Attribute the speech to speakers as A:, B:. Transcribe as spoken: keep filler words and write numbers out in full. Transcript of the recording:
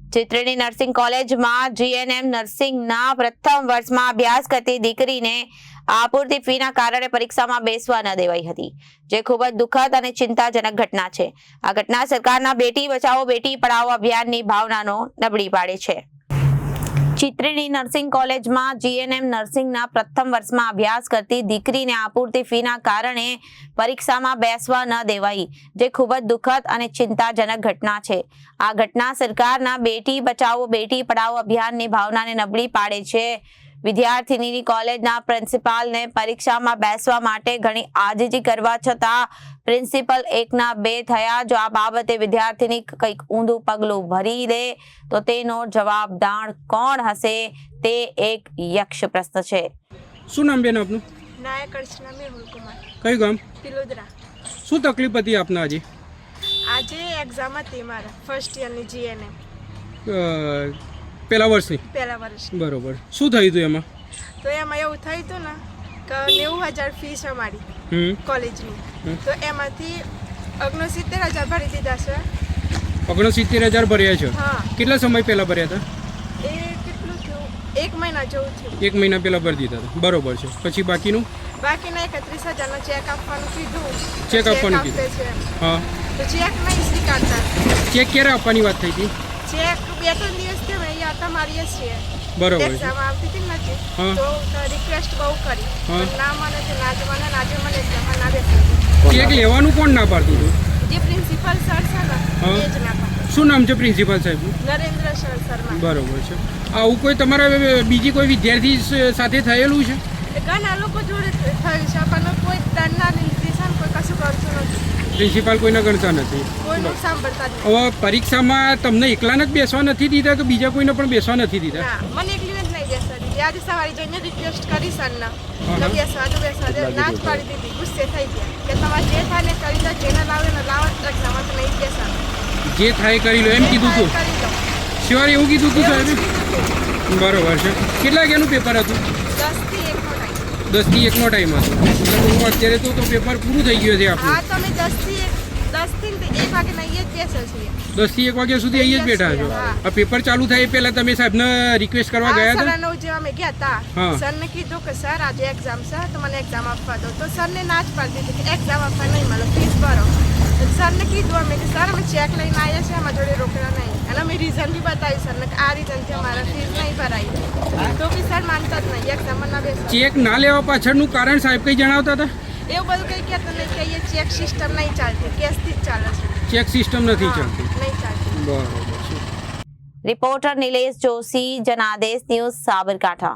A: ચિત્રની નર્સિંગ કોલેજમાં જીએનએમ નર્સિંગના પ્રથમ વર્ષમાં અભ્યાસ કરતી દીકરીને આપૂરતી ફીના કારણે પરીક્ષામાં બેસવા ન દેવાઈ હતી, જે ખૂબ જ દુઃખદ અને ચિંતાજનક ઘટના છે. આ ઘટના સરકારના બેટી બચાવો બેટી પઢાઓ અભિયાનની ભાવનાનો નબળી પાડે છે. ચિત્રની નર્સિંગ કોલેજમાં જીએનએમ નર્સિંગના પ્રથમ વર્ષમાં અભ્યાસ કરતી દીકરીને આપૂરતી ફીના કારણે પરીક્ષામાં બેસવા ન દેવાઈ, જે ખૂબ જ દુઃખદ અને ચિંતાજનક ઘટના છે. આ ઘટના સરકારના બેટી બચાવો બેટી પઢાઓ અભિયાનની ભાવનાને નબળી પાડે છે. વિદ્યાર્થીનીની કોલેજના પ્રિન્સિપાલને પરીક્ષામાં બેસવા માટે ઘણી આજીજી કરવા છતાં પ્રિન્સિપલ એકના બે થયા. જો આ બાબતે વિદ્યાર્થીની કંઈક ઊંધું પગલું ભરી દે તો તેનો જવાબદાર કોણ હશે તે એક યક્ષ પ્રશ્ન છે.
B: શું નામ બેન આપનું?
C: નાયક અર્ચના મેહુલ કુમાર.
B: કયું ગામ?
C: પિલોદરા.
B: શું તકલીફ હતી આપને આજે?
C: આજે એક્ઝામ હતી મારા ફર્સ્ટ યરની જીએનએમ
B: પહેલા વર્ષની.
C: પહેલા વર્ષ.
B: બરોબર. શું થયું હતું એમાં?
C: તો એમાં એવું થયું હતું ને કે નેવું હજાર ફીસ અમારી
B: હમ
C: કોલેજની, તો એમાંથી ઓગણસિત્તેર હજાર ભરી દીધા છે.
B: ઓગણસિત્તેર હજાર ભર્યા છે?
C: હા.
B: કેટલા સમય પહેલા ભર્યા હતા?
C: એ કેટલું થયું? એક મહિના જેવું થયું.
B: એક મહિના પહેલા ભરી દીધા હતા. બરોબર છે. પછી બાકીનું?
C: બાકીના એકત્રીસ હજારનો ચેક આપવાનું કીધું.
B: ચેક આપવાનું કીધું?
C: છે.
B: હા.
C: તો ચેક નહીં સ્વીકારતા.
B: ચેક ક્યારે આપવાની વાત થઈ હતી?
C: ચેક બે ત્રણ દિવસ થયા અહીંયા હતા મારીએ છીએ.
B: બરોબર.
C: એક્ઝામ આવતી હતી નથી
B: હા.
C: તો રિક્વેસ્ટ બહુ કરી
B: હા.
C: પણ ના મને છે, ના જ મને ના જ મને એક્ઝામમાં ના બેસી.
B: ચેક લેવાનું કોણ ના પાડતું હતું?
C: જે પ્રિન્સિપલ સર છે ને
B: હા.
C: એ જ ના પાડે.
B: શું નામ છે પ્રિન્સિપાલ સાહેબનું?
C: નરેન્દ્ર સર શર્મા.
B: બરોબર છે. આવું કોઈ તમારા બીજી કોઈ વિદ્યાર્થી સ- સાથે થયેલું છે?
C: એ ઘણા લોકો જોડે થયું છે પણ કોઈ દંડના લીધે છે ને કોઈ કશું કરતું નથી,
B: પ્રિન્સિપાલ કોઈને ગણતા નથી.
C: કોઈનું સાંભળતા જ નથી.
B: હવે પરીક્ષામાં તમને એકલાને જ બેસવા નથી દીધા કે બીજા કોઈને પણ બેસવા નથી દીધા?
C: ના, મને એકલીને જ નહીં બેસવા દીધી. આજે સવારે જઈને રિક્વેસ્ટ કરી સરને
B: હા.
C: તો બેસવા તો બેસવા દે, ના જ પાડી દીધી. ગુસ્સે થઈ ગયા કે તમારે જે થાય ને કરી દો, જેને લાવે ને લાવો જ એક્ઝામમાં તો નહીં જ બેસવાનું.
B: જે થાય કરી લો એમ
C: જે
B: કીધું
C: થાય
B: હતું?
C: કરી લો.
B: શિવાય એવું કીધું હતું
C: એવું જ
B: સાહેબે?
C: કીધું હતું.
B: બરોબર છે. કેટલા વાગ્યાનું પેપર હતું?
C: દસ થી એક નો ટાઈમ.
B: દસ થી એકનો ટાઈમ હતો. એટલે હું અત્યારે તો તો પેપર પૂરું થઈ ગયું છે
C: હા,
B: આપણું.
C: તો અમે દસ થી એક દસ થી એક વાગે નહીં જ બેસે છીએ.
B: દસ થી એક વાગ્યા સુધી અહીંયા જ બેઠા છો.
C: હા.
B: આ પેપર ચાલુ થાય એ પહેલા તમે સાહેબને રિક્વેસ્ટ કરવા ગયા હતા?
C: સર નવ જેવા અમે ગયા હતા.
B: હા.
C: સરને કીધું કે સર આજે એક્ઝામ છે તો મને એક્ઝામ આપવા દો, તો સરને ના જ પાડી દીધી કે એક્ઝામ આપવા નહીં મળે, ફીસ ભરો. તો સરને કીધું અમે કે સર અમે ચેક લઈને આવ્યા છે, અમારા જોડે રોકડા નહીં. અને અમે રીઝન બી બતાવ્યું સરને કે આ રીઝનથી અમારા ફીસ નહીં ભરાઈ, તો બી સર માનતા જ નહીં, એક્ઝામમાં ના બેસે.
B: ચેક ના લેવા પાછળનું કારણ સાહેબ કંઈ જણાવતા હતા?
C: એવું બધું કંઈ કહેતું નહીં કે અહીંયા ચેક સિસ્ટમ નહીં ચાલતી, કેશથી જ ચાલે છે.
B: ચેક સિસ્ટમ નથી
C: હા,
B: ચાલતી.
C: નહીં ચાલતી.
B: બરોબર છે.
A: Reporter Nilesh Joshi, Janadesh news, Sabarkantha.